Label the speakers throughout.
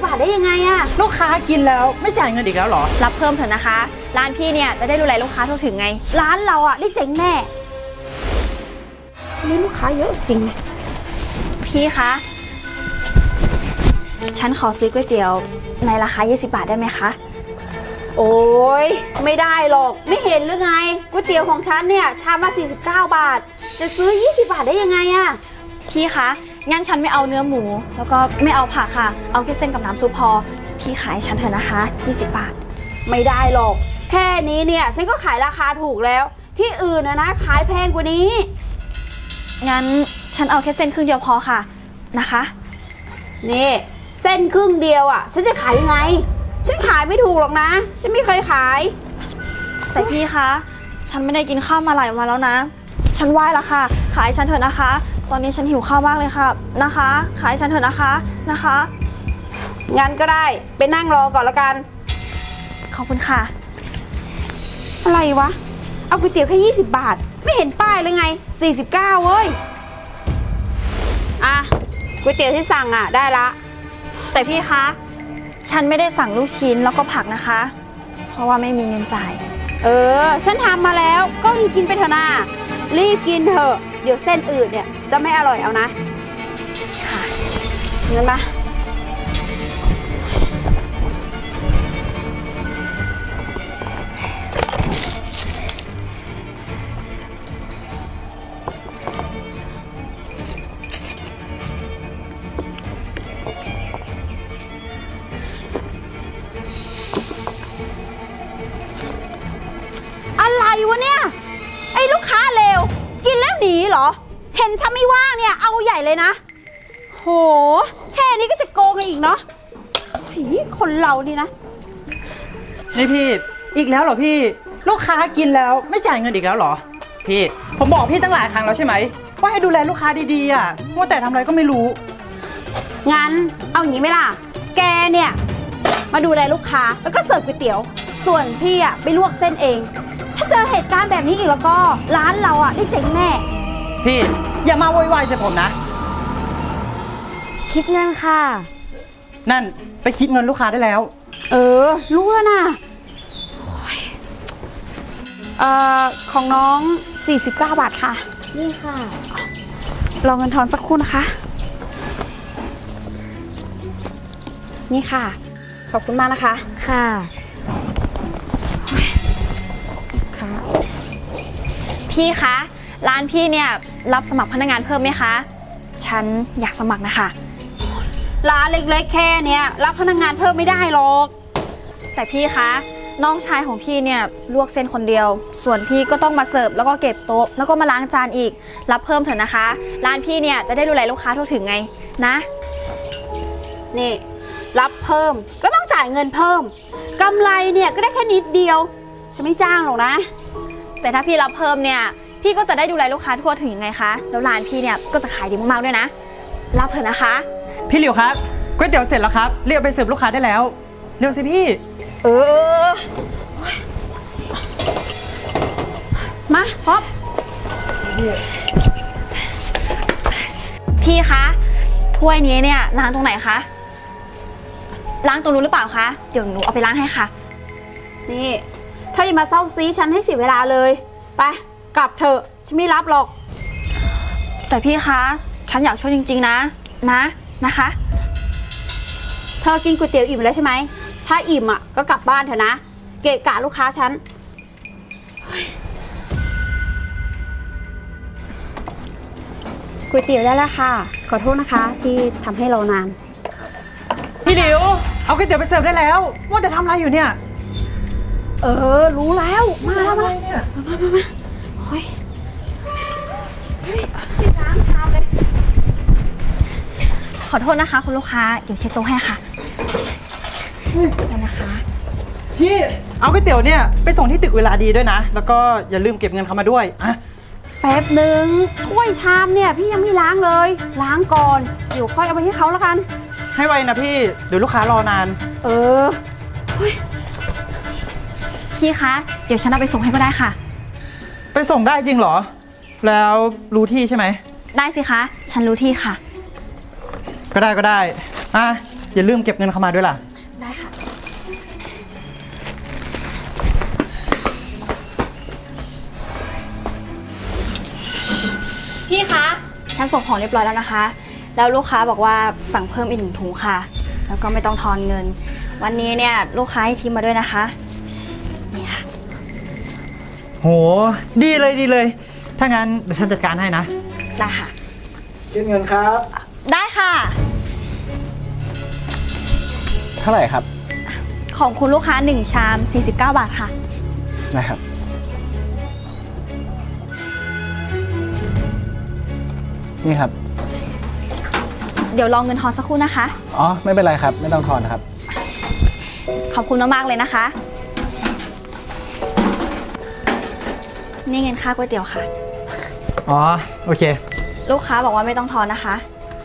Speaker 1: บาทได้ยังไงอะ
Speaker 2: ลูกค้ากินแล้วไม่จ่ายเงินอีกแล้วเหรอ
Speaker 3: รับเพิ่มเถอะนะคะร้านพี่เนี่ยจะได้ดูแลลูกค้าทั่วถึงไง
Speaker 1: ร้านเราอะได้เจ๊งแน่นี่ลูกค้าเยอะจริง
Speaker 3: พี่คะฉันขอซื้อก๋วยเตี๋ยวในราคา20 บาทได้ไหมคะ
Speaker 1: โอ้ยไม่ได้หรอกไม่เห็นหรือไงก๋วยเตี๋ยวของฉันเนี่ยชามละ49 บาทจะซื้อ20 บาทได้ยังไงอะ
Speaker 3: พี่คะงั้นฉันไม่เอาเนื้อหมูแล้วก็ไม่เอาผักค่ะเอาแค่เส้นกับน้ำซุปพอพี่ขายฉันเถอะนะคะ20 บาท
Speaker 1: ไม่ได้หรอกแค่นี้เนี่ยฉันก็ขายราคาถูกแล้วที่อื่นนะขายแพงกว่านี้
Speaker 3: งั้นฉันเอาแค่เส้นครึ่งเดียวพอค่ะนะคะ
Speaker 1: นี่เส้นครึ่งเดียวอ่ะฉันจะขายยังไงฉันขายไม่ถูกหรอกนะฉันไม่เคยขาย
Speaker 3: แต่พี่คะฉันไม่ได้กินข้าวมาหลายวันแล้วนะฉันไหว้ละค่ะขายฉันเถอะนะคะตอนนี้ฉันหิวข้าวมากเลยค่ะนะคะขายฉันเถอะนะคะ
Speaker 1: งั้นก็ได้ไปนั่งรอก่อนละกัน
Speaker 3: ขอบคุณค่ะ
Speaker 1: อะไรวะเอาก๋วยเตี๋ยวแค่20 บาทไม่เห็นป้ายเลยไง49เว้ยอ่ะก๋วยเตี๋ยวที่สั่งอ่ะได้ละ
Speaker 3: แต่พี่คะฉันไม่ได้สั่งลูกชิ้นแล้วก็ผักนะคะเพราะว่าไม่มีเงินจ่าย
Speaker 1: ฉันทำมาแล้วก็กินไปเถอะนะรีบกินเถอะเดี๋ยวเส้นอื่นเนี่ยจะไม่อร่อยเอานะ
Speaker 3: ค่ะ
Speaker 1: งั้นปะอะไรวะเนี่ยไอ้ลูกค้าเลวกินแล้วหนีเหรอเห็นฉันไม่ว่างเนี่ยเอาใหญ่เลยนะโหแค่นี้ก็จะโกงกันอีกเนาะคนเรานี่นะ
Speaker 2: นี่พี่อีกแล้วเหรอพี่ลูกค้ากินแล้วไม่จ่ายเงินอีกแล้วเหรอพี่ผมบอกพี่ตั้งหลายครั้งแล้วใช่ไหมว่าให้ดูแลลูกค้าดีๆอ่ะว่าแต่ทำอะไรก็ไม่รู้
Speaker 1: งั้นเอาอย่างนี้ไหมล่ะแกเนี่ยมาดูแลลูกค้าแล้วก็เสิร์ฟก๋วยเตี๋ยวส่วนพี่อ่ะไปลวกเส้นเองถ้าเจอเหตุการณ์แบบนี้อีกแล้วก็ร้านเราอ่ะได้เจ๊งแน่
Speaker 2: พี่อย่ามาโวยวายใส่ผมนะ
Speaker 1: คิดเงินค่ะ
Speaker 2: นั่นไปคิดเงินลูกค้าได้แล้ว
Speaker 1: รู้แล้วนะของน้อง49 บาทค่ะ
Speaker 3: นี่ค่ะ
Speaker 1: รอเงินทอนสักครู่นะคะนี่ค่ะขอบคุณมากนะคะ
Speaker 3: ค่ะพี่คะร้านพี่เนี่ยรับสมัครพนักงานเพิ่มไหมคะฉันอยากสมัครนะคะ
Speaker 1: ร้านเล็กๆแค่เนี้ยรับพนักงานเพิ่มไม่ได้หรอก
Speaker 3: แต่พี่คะน้องชายของพี่เนี่ยลวกเส้นคนเดียวส่วนพี่ก็ต้องมาเสิร์ฟแล้วก็เก็บโต๊ะแล้วก็มาล้างจานอีกรับเพิ่มเถอะนะคะร้านพี่เนี่ยจะได้ดูแลลูกค้าทั่วถึงไงนะ
Speaker 1: นี่รับเพิ่มก็ต้องจ่ายเงินเพิ่มกำไรเนี่ยก็ได้แค่นิดเดียวฉันไม่จ้างหรอกนะ
Speaker 3: แต่ถ้าพี่รับเพิ่มเนี่ยพี่ก็จะได้ดูแลลูกค้าทั่วถึงยังไงคะแล้วร้านพี่เนี่ยก็จะขายดีมากๆด้วยนะรับเถอะนะคะ
Speaker 2: พี่หลิวครับก๋วยเตี๋ยวเสร็จแล้วครับเรียกไปเสิร์ฟลูกค้าได้แล้วเร็วสิพี่
Speaker 1: มาพบ
Speaker 3: พี่คะถ้วยนี้เนี่ยล้างตรงไหนคะล้างตรงนู้นหรือเปล่าคะเดี๋ยวหนูเอาไปล้างให้ค่ะ
Speaker 1: นี่ถ้าอย่ามาเศร้าซีฉันให้เสียเวลาเลยไปกลับเถอะฉันไม่รับหรอก
Speaker 3: แต่พี่คะฉันอยากช่วยจริงๆนะคะ
Speaker 1: เธอกินก๋วยเตี๋ยวอิ่มแล้วใช่ไหมถ้าอิ่มอ่ะก็กลับบ้านเถอะนะเกะกะลูกค้าฉันก๋วยเตี๋ยวได้แล้วค่ะขอโทษนะคะที่ทำให้เรานาน
Speaker 2: พี่หลิวเอาก๋วยเตี๋ยวไปเสิร์ฟได้แล้วว่าแต่ทำอะไรอยู่เนี่ย
Speaker 1: รู้แล้วมาแล้ว
Speaker 2: เนี่ย
Speaker 1: มาโอ้ยล้างชามเลย
Speaker 3: ขอโทษนะคะคุณลูกค้าเดี๋ยวเช็ดโต๊ะให้ค่ะนะคะ
Speaker 2: พี่เอาก๋วยเตี๋ยวเนี่ยไปส่งที่ตึกเวลาดีด้วยนะแล้วก็อย่าลืมเก็บเงินเขามาด้วยอะ
Speaker 1: แป๊บหนึ่งถ้วยชามเนี่ยพี่ยังไม่ล้างเลยล้างก่อนเดี๋ยวค่อยเอาไปให้เขาแล้วกัน
Speaker 2: ให้ไวนะพี่เดี๋ยวลูกค้ารอนาน
Speaker 3: พี่คะเดี๋ยวฉันเอาไปส่งให้ก็ได้ค่ะ
Speaker 2: ไปส่งได้จริงเหรอแล้วรู้ที่ใช่ไหม
Speaker 3: ได้สิคะฉันรู้ที่ค่ะ
Speaker 2: ก็ได้อย่าลืมเก็บเงินเข้ามาด้วยล่ะ
Speaker 3: ได้ค่ะ พี่คะฉันส่งของเรียบร้อยแล้วนะคะ แล้วลูกค้าบอกว่าสั่งเพิ่มอีก1 ถุงค่ะ แล้วก็ไม่ต้องทอนเงิน วันนี้เนี่ยลูกค้าให้ทิปมาด้วยนะคะ นี่ค่ะ
Speaker 2: โห ดีเลยดีเลย ถ้างั้นเดี๋ยวฉันจัดการให้นะ
Speaker 3: ได้ค่ะ
Speaker 4: คิดเงินครับ
Speaker 3: ได้ค่ะ
Speaker 4: เท่าไหร่ครับ
Speaker 3: ของคุณลูกค้า1 ชาม 49 บาทค่ะ
Speaker 4: นะครับ นี่ครับ
Speaker 3: เดี๋ยวรอเงินทอนสักครู่นะคะ
Speaker 4: อ๋อ ไม่เป็นไรครับ ไม่ต้องทอนนะครับ
Speaker 3: ขอบคุณมากๆเลยนะคะ นี่เงินค่าก๋วยเตี๋ยวค่ะ
Speaker 2: อ๋อ โอเค
Speaker 3: ลูกค้าบอกว่าไม่ต้องทอนนะคะ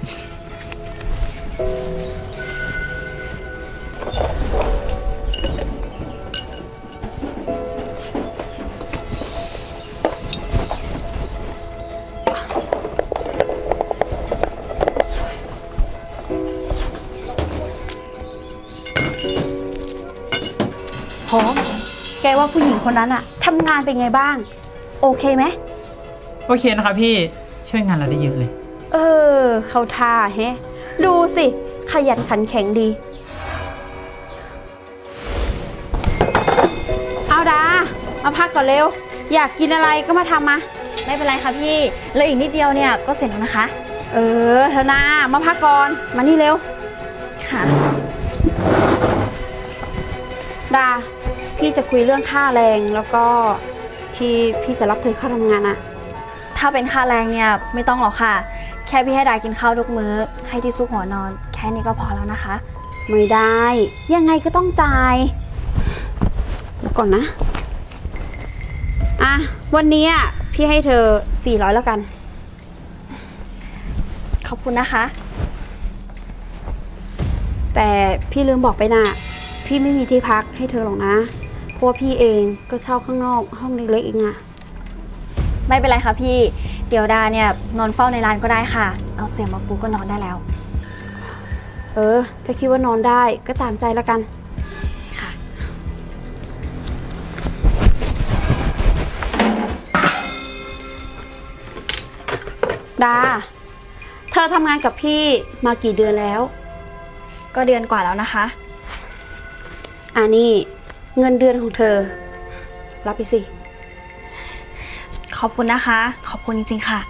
Speaker 1: พร้อมแกว่าผู้หญิงคนนั้นอะทำงานเป็นไงบ้าง โอเคไหม
Speaker 2: โอเคนะครับพี่ ช่วยงานเราได้เยอะเลย
Speaker 1: เข้าท่าแฮะ ดูสิ ขยันขันแข็งดี เอาดา มาพักก่อนเร็ว อยากกินอะไรก็มาทำมา
Speaker 3: ไม่เป็นไรค่ะพี่แล้วอีกนิดเดียวเนี่ยก็เสร็จแล้วนะคะ
Speaker 1: เธอนามาพักก่อน มานี่เร็ว
Speaker 3: ค่ะ
Speaker 1: ดา พี่จะคุยเรื่องค่าแรงแล้วก็ที่พี่จะรับเธอเข้าทำงานอะ
Speaker 3: ถ้าเป็นค่าแรงเนี่ยไม่ต้องหรอกค่ะ แค่พี่ให้ดากินข้าวทุกมื้อ ให้ที่ซุกหัวนอน แค่นี้ก็พอแล้วนะคะ
Speaker 1: ไม่ได้ ยังไงก็ต้องจ่ายเดี๋ยวก่อนนะ อ่ะ วันนี้อะพี่ให้เธอ400แล้วกัน
Speaker 3: ขอบคุณนะคะ
Speaker 1: แต่พี่ลืมบอกไปนะพี่ไม่มีที่พักให้เธอหรอกนะ เพราะว่าพี่เองก็เช่าข้างนอกห้องเล็กๆเองอะ
Speaker 3: ไม่เป็นไรค่ะพี่ เดี๋ยวดาเนี่ยนอนเฝ้าในร้านก็ได้ค่ะ เอาเสียงมาปูก็นอนได้แล้ว
Speaker 1: ถ้าคิดว่านอนได้ก็ตามใจแล้วกัน
Speaker 3: ค่ะ
Speaker 1: ดา เธอทำงานกับพี่มากี่เดือนแล้ว
Speaker 3: ก็เดือนกว่าแล้วนะคะ
Speaker 1: นี่เงินเดือนของเธอ รับไปสิ
Speaker 3: ขอบคุณนะคะ ขอบคุณจริงๆค่ะ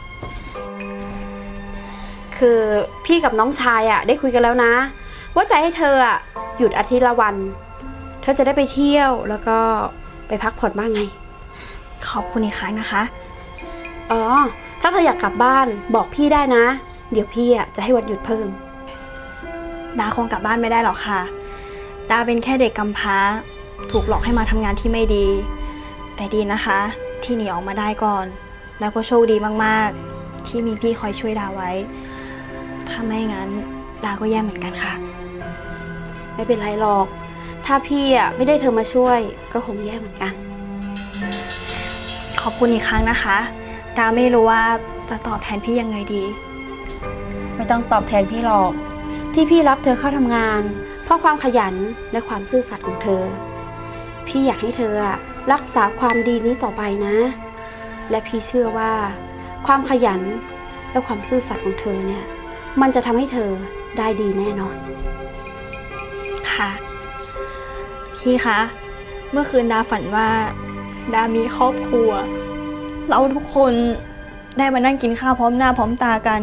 Speaker 1: คือพี่กับน้องชายอะได้คุยกันแล้วนะ ว่าจะให้เธออะหยุดอาทิตย์ละวัน เธอจะได้ไปเที่ยวแล้วก็ไปพักผ่อนบ้างไง
Speaker 3: ขอบคุณอีกครั้งนะคะ
Speaker 1: ถ้าเธออยากกลับบ้านบอกพี่ได้นะ เดี๋ยวพี่อะจะให้วันหยุดเพิ่ม
Speaker 3: ดาคงกลับบ้านไม่ได้หรอกค่ะ ดาเป็นแค่เด็กกำพร้า ถูกหลอกให้มาทำงานที่ไม่ดี แต่ดีนะคะ ที่หนีออกมาได้ก่อน แล้วก็โชคดีมากๆ ที่มีพี่คอยช่วยดาไว้ ถ้าไม่งั้นดาก็แย่เหมือนกันค่ะ
Speaker 1: ไม่เป็นไรหรอก ถ้าพี่อะไม่ได้เธอมาช่วย ก็คงแย่เหมือนกัน
Speaker 3: ขอบคุณอีกครั้งนะคะ ดาไม่รู้ว่าจะตอบแทนพี่ยังไงดี
Speaker 1: ไม่ต้องตอบแทนพี่หรอก ที่พี่รับเธอเข้าทำงาน เพราะความขยันและความซื่อสัตย์ของเธอ พี่อยากให้เธออะรักษาความดีนี้ต่อไปนะ และพี่เชื่อว่า ความขยันและความซื่อสัตย์ของเธอเนี่ย มันจะทำให้เธอได้ดีแน่นอน
Speaker 3: ค่ะ พี่คะ เมื่อคืนดาฝันว่า ดามีครอบครัว เราทุกคนได้มานั่งกินข้าวพร้อมหน้าพร้อมตากัน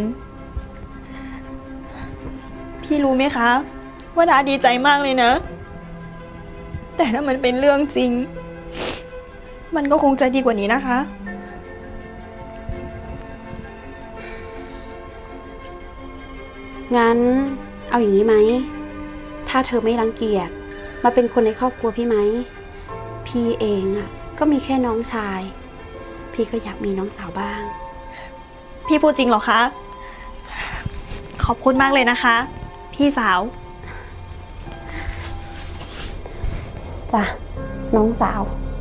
Speaker 3: พี่รู้ไหมคะ ว่าดาดีใจมากเลยนะ แต่ถ้ามันเป็นเรื่องจริง มันก็คงจะดีกว่านี้นะคะ
Speaker 1: งั้นเอาอย่างนี้ไหม ถ้าเธอไม่รังเกียจมาเป็นคนในครอบครัวพี่ไหม พี่เองอะก็มีแค่น้องชาย พี่ก็อยากมีน้องสาวบ้าง
Speaker 3: พี่พูดจริงเหรอคะ ขอบคุณมากเลยนะคะ พี่สาว
Speaker 1: จ้ะ น้องสาว
Speaker 3: ค